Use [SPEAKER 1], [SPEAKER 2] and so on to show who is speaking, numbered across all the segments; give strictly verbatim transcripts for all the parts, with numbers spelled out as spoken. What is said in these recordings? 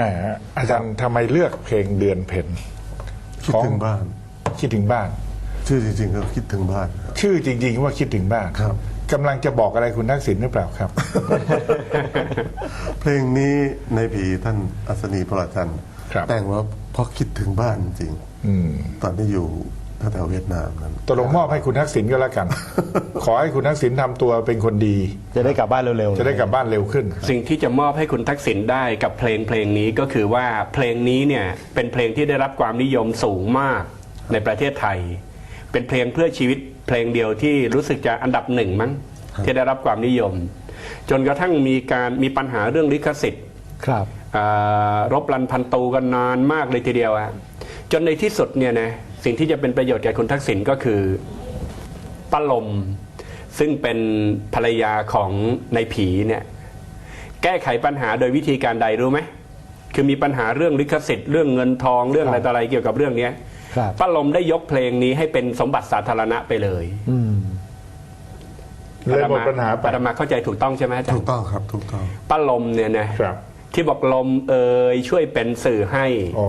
[SPEAKER 1] แหมอาจารย์ทำไมเลือกเพลงเดือนเพ็ญ
[SPEAKER 2] คิดถึงบ้าน
[SPEAKER 1] คิดถึงบ้าน
[SPEAKER 2] ชื่อจริงๆก็คิดถึงบ้าน
[SPEAKER 1] ชื่อจริงๆว่าคิดถึงบ้าน
[SPEAKER 2] ครับ
[SPEAKER 1] กำลังจะบอกอะไรคุณทักษิณหรือเปล่าครับ
[SPEAKER 2] เพลงนี้ในผีท่านอัศนีพระจันทร์
[SPEAKER 1] ครับ
[SPEAKER 2] แต่งว่าเพราะคิดถึงบ้านจริง
[SPEAKER 1] อืม
[SPEAKER 2] ตอนที่อยู่แถวๆเวียดนามนั้น
[SPEAKER 1] ตกลงมอบให้คุณทักษิณก็แล้วกัน ขอให้คุณทักษิณทำตัวเป็นคนดี
[SPEAKER 3] จะได้กลับบ้านเร็วๆ
[SPEAKER 1] จะได้กลับบ้านเร็วขึ้น
[SPEAKER 4] สิ่งที่จะมอบให้คุณทักษิณได้กับเพลงเพลงนี้ก็คือว่าเพลงนี้เนี่ยเป็นเพลงที่ได้รับความนิยมสูงมากในประเทศไทย เป็นเพลงเพื่อชีวิตเพลงเดียวที่รู้สึกจะอันดับหนึ่งมั้งที่ได้รับความนิยม จนกระทั่งมีการมีปัญหาเรื่องลิขสิทธิ์
[SPEAKER 3] ครับ
[SPEAKER 4] อ่ารบรันพันตูกันนานมากเลยทีเดียวอะจนในที่สุดเนี่ยนะสิ่งที่จะเป็นประโยชน์แก่คุณทักษิณก็คือป้าลมซึ่งเป็นภรรยาของนายผีเนี่ยแก้ไขปัญหาโดยวิธีการใดรู้ไหมคือมีปัญหาเรื่องลิขสิทธิ์เรื่องเงินทองเรื่องอะไรต่ออะไรเกี่ยวกับเรื่องเนี้ย
[SPEAKER 3] ครับ
[SPEAKER 4] ป้าลมได้ยกเพลงนี้ให้เป็นสมบัติสาธารณะไปเลย
[SPEAKER 3] อืม
[SPEAKER 1] เลยหมดปัญหาไป
[SPEAKER 4] อาตมาเข้าใจถูกต้องใช่ไหมอาจาร
[SPEAKER 2] ถูก
[SPEAKER 4] ย์
[SPEAKER 2] ต้องครับถูกต้อง
[SPEAKER 4] ป้าลมเนี่ยนะครับ ที่บอกลมเอ่ยช่วยเป็นสื่อให้
[SPEAKER 1] อ๋อน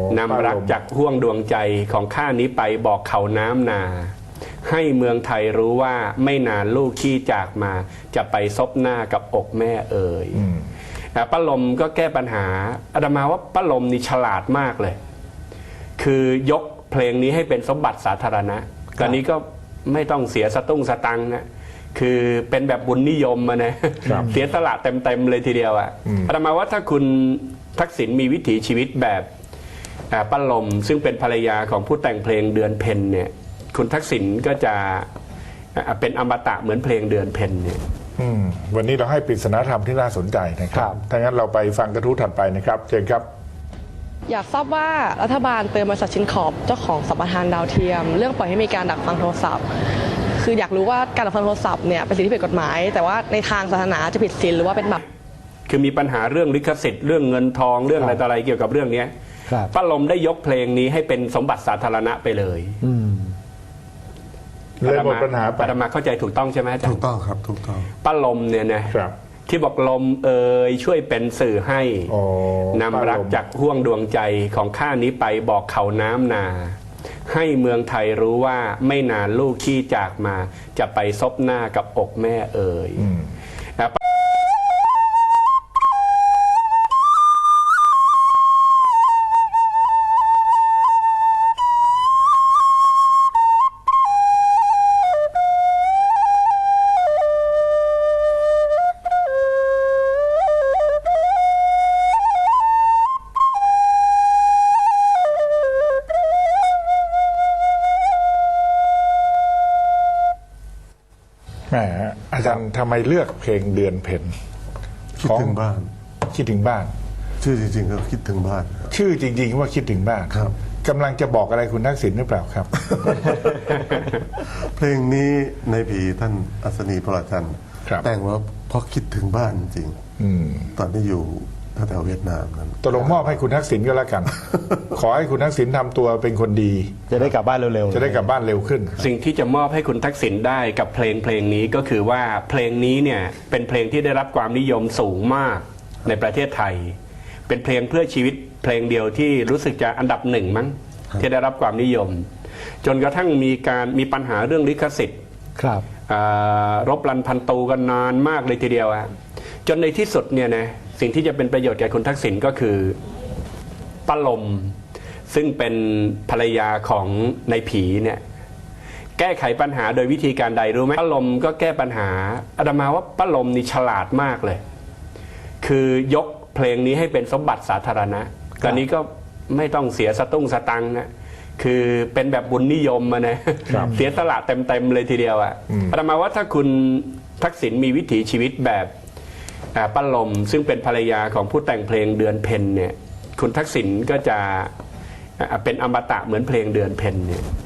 [SPEAKER 4] ำรักจากห่วงดวงใจของข้านี้ไปบอกเขาน้ำนา ให้เมืองไทยรู้ว่าไม่นานลูกขี้จากมา จะไปซบหน้ากับอกแม่เอ่ย
[SPEAKER 1] อืม
[SPEAKER 4] แต่ป้าลมก็แก้ปัญหาอาตมาว่าป้าลมนี่ฉลาดมากเลย คือยกเพลงนี้ให้เป็นสมบัติสาธารณะตอนนี้ก็ไม่ต้องเสียสตุ้งสตังค์นะคือเป็นแบบบุญนิยมมานะครับ เสียสละเต็มๆเลยทีเดียวอะ
[SPEAKER 1] อืม
[SPEAKER 4] อาตมาว่าถ้าคุณทักษิณมีวิถีชีวิตแบบอ่าป้าลมซึ่งเป็นภรรยาของผู้แต่งเพลงเดือนเพ็ญเนี่ยคุณทักษิณก็จะอ่าเป็นอมตะเหมือนเพลงเดือนเพ็ญเนี่ย
[SPEAKER 1] อืมวันนี้เราให้ปริศนาธรรมที่น่าสนใจนะค
[SPEAKER 3] ครั
[SPEAKER 1] รับบ ถ้างั้นเราไปฟังกระทู้ถัดไปนะครับเชิญครับ
[SPEAKER 5] อยากทราบว่ารัฐบาลเตือนบริษัทชินขอบเจ้าของสัมปทานดาวเทียม เรื่องปล่อยให้มีการดักฟังโทรศัพท์ คืออยากรู้ว่าการดักฟังโทรศัพท์เนี่ยเป็นสิ่งที่ผิดกฎหมาย แต่ว่าในทางศาสนาจะผิดศีลหรือว่าเป็นบาป
[SPEAKER 4] คือมีปัญหาเรื่องลิขสิทธิ์เรื่องเงินทองเรื่องอะไรต่ออะไรเกี่ยวกับเรื่องเนี้ย
[SPEAKER 3] ครับ
[SPEAKER 4] ป้าลมได้ยกเพลงนี้ให้เป็นสมบัติสาธารณะไปเลย
[SPEAKER 3] อืม
[SPEAKER 1] เลยหมดปัญหาไป
[SPEAKER 4] อาตมาเข้าใจถูกต้องใช่ไหมอาจาร
[SPEAKER 2] ถูก
[SPEAKER 4] ย์
[SPEAKER 2] ต้องครับถูกต้อง
[SPEAKER 4] ป้าลมเนี่ยนะครับ ที่บอกลมเอ่ยช่วยเป็นสื่อให้
[SPEAKER 1] อ๋อน
[SPEAKER 4] ำรักจากห่วงดวงใจของข้านี้ไปบอกเขาน้ำนา ให้เมืองไทยรู้ว่าไม่นานลูกขี้จากมา จะไปซบหน้ากับอกแม่เอ่ย
[SPEAKER 1] อืม
[SPEAKER 4] นะ
[SPEAKER 1] แหมอาจารย์ทำไมเลือกเพลงเดือนเพ็ญ
[SPEAKER 2] คิดถึงบ้าน
[SPEAKER 1] คิดถึงบ้าน
[SPEAKER 2] ชื่อจริงๆก็คิดถึงบ้าน
[SPEAKER 1] ชื่อจริงๆว่าคิดถึงบ้าน
[SPEAKER 2] ครับ
[SPEAKER 1] กำลังจะบอกอะไรคุณทักษิณหรือเปล่าครับ
[SPEAKER 2] เพลงนี้ในผีท่านอัศนีพระจันทร์
[SPEAKER 1] ครับ
[SPEAKER 2] แต่งว่าเพราะคิดถึงบ้านจริง
[SPEAKER 1] อืม
[SPEAKER 2] ตอนที่อยู่แถวๆเวียดนามนั้น
[SPEAKER 1] ตกลงมอบให้คุณทักษิณก็แล้วกัน ขอให้คุณทักษิณทำตัวเป็นคนดี
[SPEAKER 3] จะได้กลับบ้านเร็วๆ
[SPEAKER 1] จะได้กลับบ้านเร็วขึ้น
[SPEAKER 4] สิ่งที่จะมอบให้คุณทักษิณได้กับเพลงเพลงนี้ก็คือว่าเพลงนี้เนี่ยเป็นเพลงที่ได้รับความนิยมสูงมากในประเทศไทย เป็นเพลงเพื่อชีวิตเพลงเดียวที่รู้สึกจะอันดับหนึ่งมั้งที่ได้รับความนิยม จนกระทั่งมีการมีปัญหาเรื่องลิขสิทธิ์
[SPEAKER 3] ครับ
[SPEAKER 4] อ่ารบรันพันตูกันนานมากเลยทีเดียวอะจนในที่สุดเนี่ยนะสิ่งที่จะเป็นประโยชน์แก่คุณทักษิณก็คือป้าลมซึ่งเป็นภรรยาของนายผีเนี่ยแก้ไขปัญหาโดยวิธีการใดรู้ไหมป้าลมก็แก้ปัญหาอาตมาว่าป้าลมนี่ฉลาดมากเลย คือยกเพลงนี้ให้เป็นสมบัติสาธารณะตอนนี้ก็ไม่ต้องเสียสตุ้งสตังค์นะคือเป็นแบบบุญนิยมมานะครับ เสียสละเต็มๆเลยทีเดียวอะ
[SPEAKER 1] อืม
[SPEAKER 4] อาตมาว่าถ้าคุณทักษิณมีวิถีชีวิตแบบอ่าป้าลมซึ่งเป็นภรรยาของผู้แต่งเพลงเดือนเพ็ญเนี่ยคุณทักษิณก็จะอ่าเป็นอมตะเหมือนเพลงเดือนเพ็ญเนี่ย